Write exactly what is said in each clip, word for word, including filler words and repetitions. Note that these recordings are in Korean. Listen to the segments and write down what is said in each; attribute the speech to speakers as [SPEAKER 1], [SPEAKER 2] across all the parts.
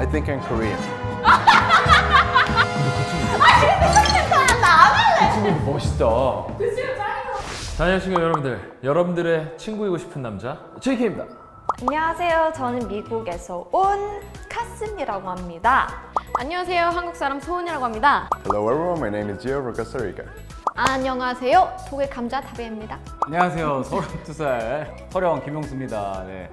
[SPEAKER 1] think in Korean.
[SPEAKER 2] 그 친구도 멋있다. 자, 안녕하십니까 여러분들. 여러분들의 친구이고 싶은 남자 제이케이입니다.
[SPEAKER 3] 안녕하세요. 저는 미국에서 온 카슴이라고 합니다.
[SPEAKER 4] 안녕하세요. 한국 사람 소은이라고 합니다.
[SPEAKER 1] Hello everyone, my name is Gio from Costa Rica.
[SPEAKER 4] 안녕하세요. 독일 감자 다비입니다.
[SPEAKER 5] 안녕하세요. 서른두 살 서령 김용수입니다. 네.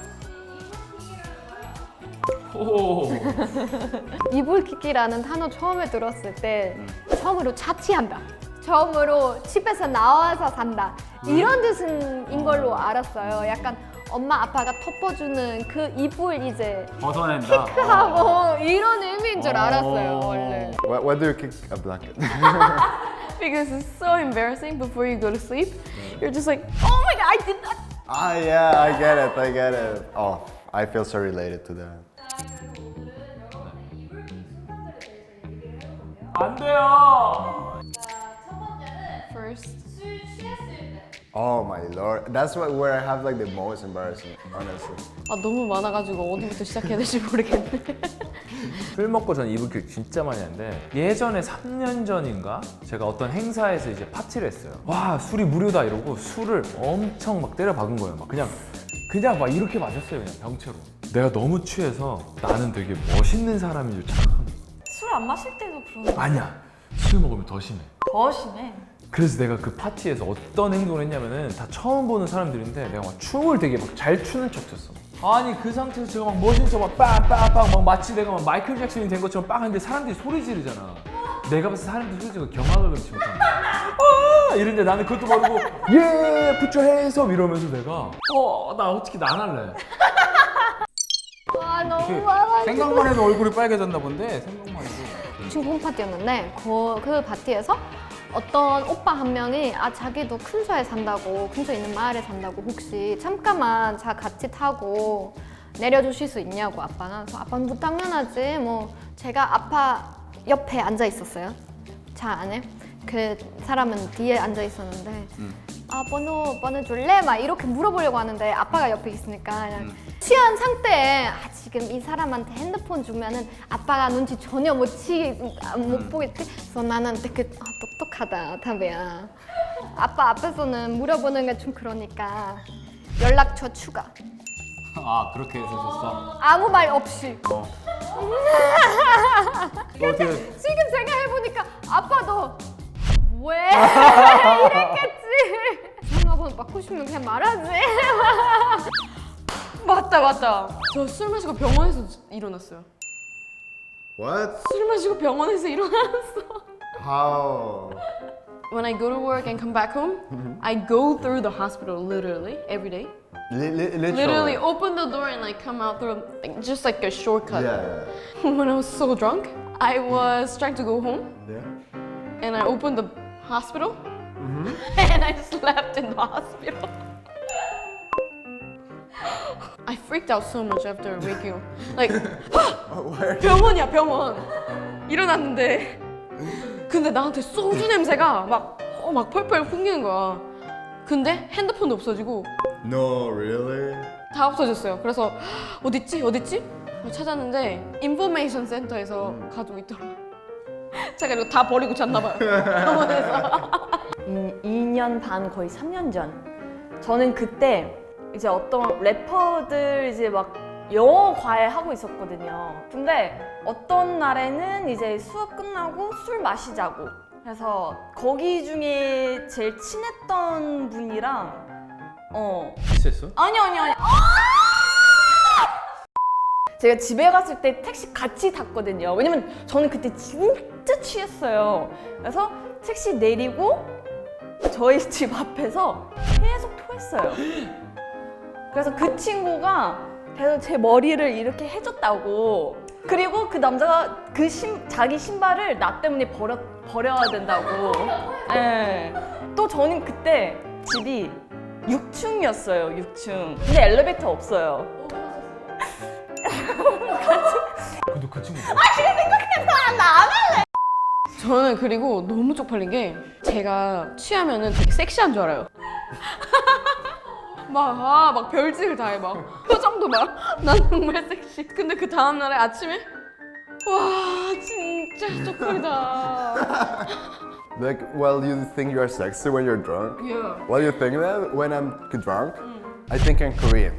[SPEAKER 2] 오.
[SPEAKER 4] 이불킥기라는 단어 처음에 들었을 때 처음으로 자취한다. 처음으로 집에서 나와서 산다. 이런 뜻인 걸로 알았어요. 약간 엄마 아빠가 덮어주는 그 이불 이제
[SPEAKER 5] 벗어낸다.
[SPEAKER 4] 하고 이런 의미인 줄 알았어요 원래.
[SPEAKER 1] Why, why do you kick a blanket?
[SPEAKER 4] Because it's so embarrassing before you go to sleep. You're just like, oh my god, I did that.
[SPEAKER 1] Ah, yeah, I get it, I get it. Oh, I feel so related to that.
[SPEAKER 2] 안 돼요.
[SPEAKER 4] First.
[SPEAKER 1] Oh my lord, that's what, where I have like the most embarrassing, honestly.
[SPEAKER 4] 아 너무 많아가지고 어디부터 시작해야 될지 모르겠네.
[SPEAKER 2] 술 먹고 전 이불킥 진짜 많이 하는데 예전에 삼 년 전인가 제가 어떤 행사에서 이제 파티를 했어요. 와 술이 무료다 이러고 술을 엄청 막 때려 박은 거예요. 막 그냥 그냥 막 이렇게 마셨어요. 그냥 병채로. 내가 너무 취해서 나는 되게 멋있는 사람인 줄 착각한 거야.
[SPEAKER 3] 술 안 마실 때도 그런 거
[SPEAKER 2] 아니야. 술 먹으면 더 심해.
[SPEAKER 3] 더 심해.
[SPEAKER 2] 그래서 내가 그 파티에서 어떤 행동을 했냐면은 다 처음 보는 사람들인데 내가 막 춤을 되게 막 잘 추는 척 췄어. 아니 그 상태에서 제가 막 멋진 척막 빵빵빵 막 마치 내가 막 마이클 잭슨이 된 것처럼 빵 하는데 사람들이 소리 지르잖아. 내가 봤을 때 사람들이 소리 지르고 경악을 금치 못하는 거야. 아! 이런데 나는 그것도 모르고 예! put your hands up 이러면서 내가 어 나 어떻게 나 안 할래.
[SPEAKER 4] 아 너무 많아.
[SPEAKER 5] 생각만 해도 얼굴이 빨개졌나 본데 생각만 해도.
[SPEAKER 4] 친구 홈파티였는데 그, 그 파티에서 어떤 오빠 한 명이 아 자기도 근처에 산다고 근처에 있는 마을에 산다고 혹시 잠깐만 차 같이 타고 내려주실 수 있냐고 아빠가. 그래서 아빠는 뭐 당연하지 뭐. 제가 아빠 옆에 앉아 있었어요. 차 안에. 그 사람은 뒤에 앉아 있었는데
[SPEAKER 5] 음.
[SPEAKER 4] 아 번호 번호 줄래? 막 이렇게 물어보려고 하는데 아빠가 옆에 있으니까 그냥
[SPEAKER 5] 음.
[SPEAKER 4] 취한 상태에 아 지금 이 사람한테 핸드폰 주면은 아빠가 눈치 전혀 못 치, 아, 못
[SPEAKER 5] 음.
[SPEAKER 4] 보겠지? 그래서 나는 되게 아, 똑똑하다 다비야. 아빠 앞에서는 물어보는 게 좀 그러니까 연락처 추가.
[SPEAKER 5] 아 그렇게 해서 줬어.
[SPEAKER 4] 아무 말 없이.
[SPEAKER 5] 어. 어떻게?
[SPEAKER 4] 지금 제가 해보니까 아빠도 왜 이랬겠지. 전화번호 받고 싶으면 그냥 말하지.
[SPEAKER 6] 맞다 맞다. 저 술 마시고 병원에서 일어났어요.
[SPEAKER 1] What?
[SPEAKER 6] 술 마시고 병원에서 일어났어.
[SPEAKER 1] How?
[SPEAKER 6] When I go to work and come back home, I go through the hospital literally every day.
[SPEAKER 1] Li- li- literally?
[SPEAKER 6] Literally open the door and like come out through like, just like a shortcut.
[SPEAKER 1] Yeah,
[SPEAKER 6] When I was so drunk, I was trying to go home
[SPEAKER 1] yeah. Yeah.
[SPEAKER 6] and I opened the hospital and I slept in the hospital. I freaked out so much after waking up. Like
[SPEAKER 1] Where?
[SPEAKER 6] 병원이야 병원. 일어났는데 근데 나한테 소주 냄새가 막, 어, 막 펄펄 풍기는 거야. 근데 핸드폰도 없어지고
[SPEAKER 1] No, really?
[SPEAKER 6] 다 없어졌어요. 그래서 어딨지 어딨지? 찾았는데 인포메이션 센터에서 가지고 있더라. 제가 이거 다 버리고 잤나 봐요. 병원에서.
[SPEAKER 3] 음, 이 년 반 거의 삼 년 전. 저는 그때 이제 어떤 래퍼들 이제 막 영어 과외 하고 있었거든요. 근데 어떤 날에는 이제 수업 끝나고 술 마시자고. 그래서 거기 중에 제일 친했던 분이랑 어
[SPEAKER 2] 키스했어?
[SPEAKER 3] 아니 아니 아니. 제가 집에 갔을 때 택시 같이 탔거든요. 왜냐면 저는 그때 진짜 취했어요. 그래서 택시 내리고 저희 집 앞에서 계속 토했어요. 그래서 그 친구가 계속 제 머리를 이렇게 해줬다고. 그리고 그 남자가 그 신, 자기 신발을 나 때문에 버려, 버려야 된다고. 네. 또 저는 그때 집이 육 층이었어요, 육 층. 근데 엘리베이터 없어요.
[SPEAKER 2] 근데 그 친구 뭐?
[SPEAKER 6] 저는 그리고 너무 쪽팔린 게 제가 취하면은 되게 섹시한 줄 알아요. 막, 아, 막 별짓을 다 해, 막. 표정도 막, 난 정말 섹시. 근데 그 다음날에 아침에, 와, 진짜 쪽팔리다.
[SPEAKER 1] Like, well, you think you're sexy when you're drunk?
[SPEAKER 6] Yeah.
[SPEAKER 1] Well, you think that when I'm drunk? I think I'm Korean.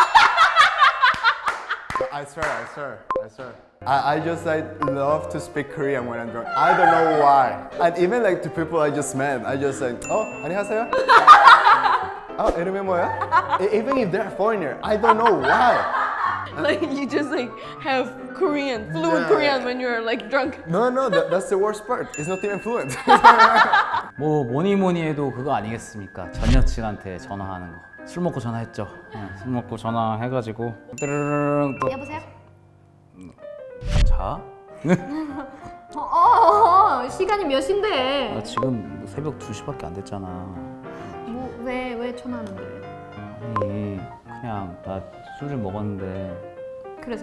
[SPEAKER 1] I swear, I swear, I swear. I, I just like love to speak Korean when I'm drunk. I don't know why. And even like to people I just met, I just like, oh, 안녕하세요. Oh, 이름이 뭐야? E- Even if they're a foreigner, I don't know why.
[SPEAKER 6] Like, you just like have Korean, fluent
[SPEAKER 1] Yeah.
[SPEAKER 6] Korean when you're like drunk.
[SPEAKER 1] No, no, that, that's the worst part. It's not even fluent.
[SPEAKER 5] 뭐 뭐니 뭐니 해도 그거 아니겠습니까? 전 여친한테 전화하는 거. 술 먹고 전화했죠. 어, 술 먹고 전화해가지고 뚜르르릉 또
[SPEAKER 4] 여보세요?
[SPEAKER 5] 자?
[SPEAKER 4] 어, 어, 어, 시간이 몇 시인데?
[SPEAKER 5] 나 지금 새벽 두 시밖에 안 됐잖아.
[SPEAKER 4] 뭐, 왜, 왜 전화하는데?
[SPEAKER 5] 아니 그냥 나 술을 먹었는데
[SPEAKER 4] 그래서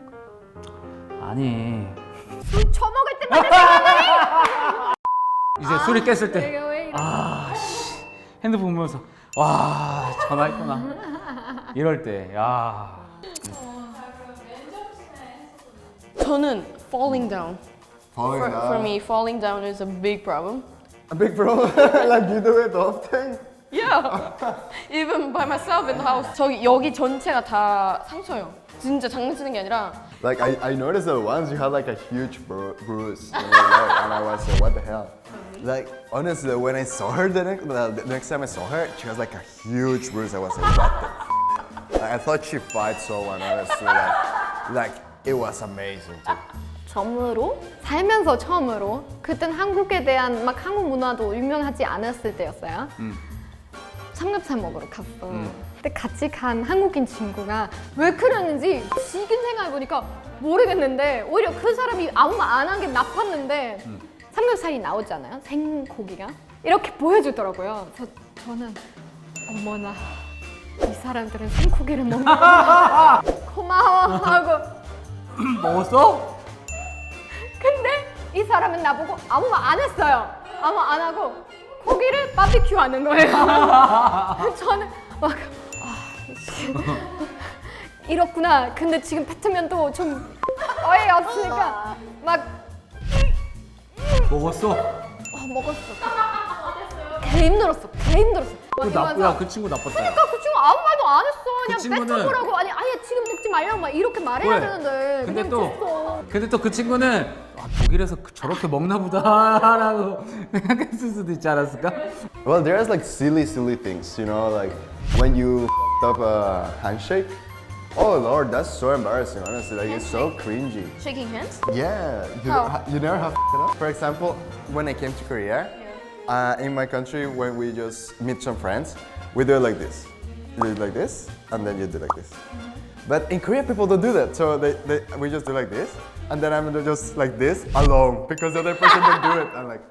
[SPEAKER 5] 아니
[SPEAKER 4] 술 처먹을 때마다
[SPEAKER 5] 이제 술이 깼을 때
[SPEAKER 4] 내가 왜 이래?
[SPEAKER 5] 아, 씨. 핸드폰 보면서 와 전화했구나 이럴 때 야.
[SPEAKER 6] 저는 falling down.
[SPEAKER 1] Falling
[SPEAKER 6] For,
[SPEAKER 1] down.
[SPEAKER 6] for me, falling down is a big problem.
[SPEAKER 1] A big problem. Like you do it often.
[SPEAKER 6] Yeah. Even by myself in the house. 저기 여기 전체가 다 상처예요. 진짜 장난치는 게 아니라
[SPEAKER 1] Like I, I noticed that once you had like a huge bru- bruise in your leg, and I was like, what the hell? Like honestly, when I saw her the next, the next time I saw her, she was like a huge bruise. I was like, what the? F-? Like, I thought she fight someone. Honestly, like, like it was amazing too.
[SPEAKER 4] 처음으로 살면서 처음으로 그땐 한국에 대한 막 한국 문화도 유명하지 않았을 때였어요. 삼겹살 먹으러 갔어. 근데 같이 간 한국인 친구가 왜 그러는지 지금 생각해보니까 모르겠는데 오히려 그 사람이 아무 말 안 한 게 나빴는데 삼겹살이 나오잖아요. 생고기가 이렇게 보여주더라고요. 그래서 저는 어머나 이 사람들은 생고기를 먹는구나 고마워 하고
[SPEAKER 5] 먹었어?
[SPEAKER 4] 근데 이 사람은 나보고 아무 말 안 했어요. 아무 말 안 하고 고기를 바비큐 하는 거예요. 저는 막 아, 씨. 이렇구나. 근데 지금 뱉으면 또 좀 어이없으니까 막
[SPEAKER 5] 먹었어?
[SPEAKER 4] 어, 먹었어. 개 힘들었어. 개 힘들었어. 막
[SPEAKER 5] 그
[SPEAKER 4] 이러면서
[SPEAKER 5] 나쁘야 그 친구 나빴다.
[SPEAKER 4] 그러니까 그 친구 아무 말도 안 했어. 그냥
[SPEAKER 5] 친구는-
[SPEAKER 4] 뱉어보라고. 아니 아예 지금 먹지 말라고 막 이렇게 말해야
[SPEAKER 5] 왜?
[SPEAKER 4] 되는데
[SPEAKER 5] 근데
[SPEAKER 4] 그냥
[SPEAKER 5] 또
[SPEAKER 4] 줬어.
[SPEAKER 5] 근데 또 그 친구는 아, 독일에서 그- 저렇게 먹나 보다라고 생각했을 수도 있지 않았을까?
[SPEAKER 1] Well, there's like silly, silly things, you know, like when you f***ed up a handshake. Oh Lord, that's so embarrassing. Honestly, like it's so cringy.
[SPEAKER 6] shaking hands.
[SPEAKER 1] Yeah, you,
[SPEAKER 6] How?
[SPEAKER 1] ha- you never have f***ed it up. For example, when I came to Korea, uh, in my country, when we just meet some friends, we do it like this. You do it like this, and then you do like this. But in Korea, people don't do that. So they, they, we just do like this, and then I'm just like this alone because the other person don't do it. I'm like,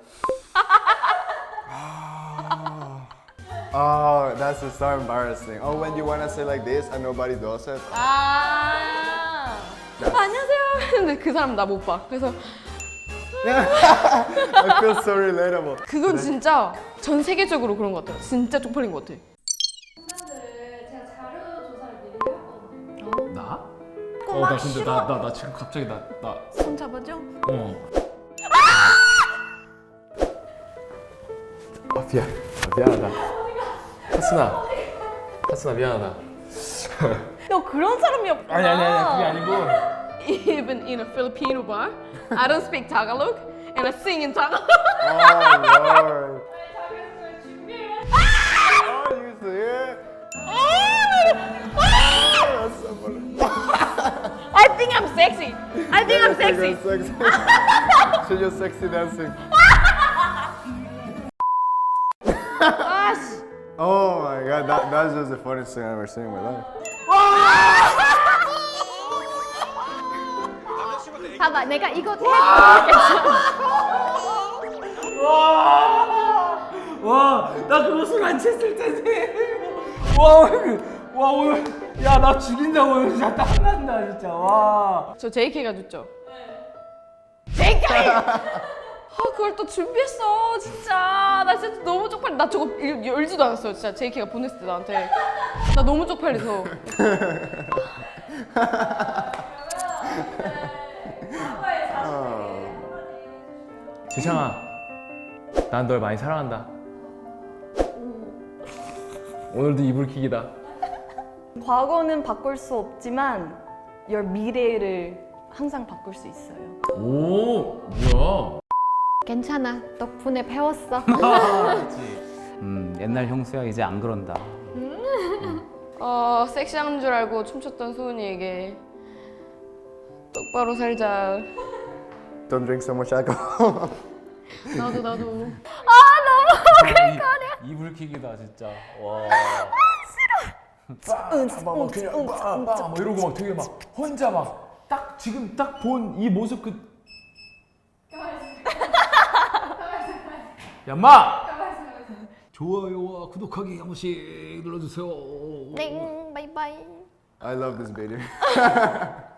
[SPEAKER 1] oh, that's just so embarrassing. Oh, when you wanna say like this and nobody does it.
[SPEAKER 6] 아. 안녕하세요. 근데 그 사람 나 못 봐. 그래서
[SPEAKER 1] I feel so relatable.
[SPEAKER 6] 그건 진짜 전 세계적으로 그런 것 같아요. 진짜 쪽팔린 것 같아.
[SPEAKER 2] 나? 어, 나 근데 나 나 나 지금 갑자기 나 나
[SPEAKER 6] 손 잡아줘.
[SPEAKER 2] 어. 아 미안. 아, 미안하다. 하순아. 하순아 미안하다.
[SPEAKER 6] 너 그런 사람이었구나.
[SPEAKER 2] 아니 아니 아니 그게 아니고.
[SPEAKER 6] Even in a Filipino bar, I don't speak Tagalog and I sing in Tagalog.
[SPEAKER 1] Oh Lord. Oh, you see it? That's so funny.
[SPEAKER 6] I think I'm sexy. I think I'm sexy.
[SPEAKER 1] That's sexy. She's just sexy dancing. Oh my god, that, that's just the funniest thing I've ever seen in my life.
[SPEAKER 4] 봐봐 내가 이거 해보겠어.
[SPEAKER 5] 와, 나 그거 술 안 챘을 텐데. 와, 오늘, 와 오늘, 야 나 죽인다고 오늘 진짜 땀난다 진짜. 와.
[SPEAKER 6] 저 제이케이가 줬죠. 아 그걸 또 준비했어 진짜. 나 진짜 너무 쪽팔려. 나 저거 열- 열지도 않았어요 진짜. 제이케이가 보냈을 때 나한테. 나 너무 쪽팔려서.
[SPEAKER 2] 지창아, 난 널 많이 사랑한다. 오늘도 이불킥이다.
[SPEAKER 3] 과거는 바꿀 수 없지만 your 미래를 항상 바꿀 수 있어요.
[SPEAKER 2] 오, 뭐야?
[SPEAKER 4] 괜찮아. 덕분에 배웠어.
[SPEAKER 5] 음, 옛날 형수야 이제 안 그런다.
[SPEAKER 6] 어 섹시한 줄 알고 춤췄던 수은이에게 똑바로 살자.
[SPEAKER 1] Don't drink so much alcohol.
[SPEAKER 6] 나도 나도.
[SPEAKER 5] 이불킥이다 진짜. 와.
[SPEAKER 2] 막 그냥 막 이러고 막 되게 막 혼자 막 딱 지금 딱 본 이 모습 그. 야, 마! 좋아요와 구독하기 한 번씩 눌러주세요.
[SPEAKER 4] 땡, 바이바이.
[SPEAKER 1] I love this video.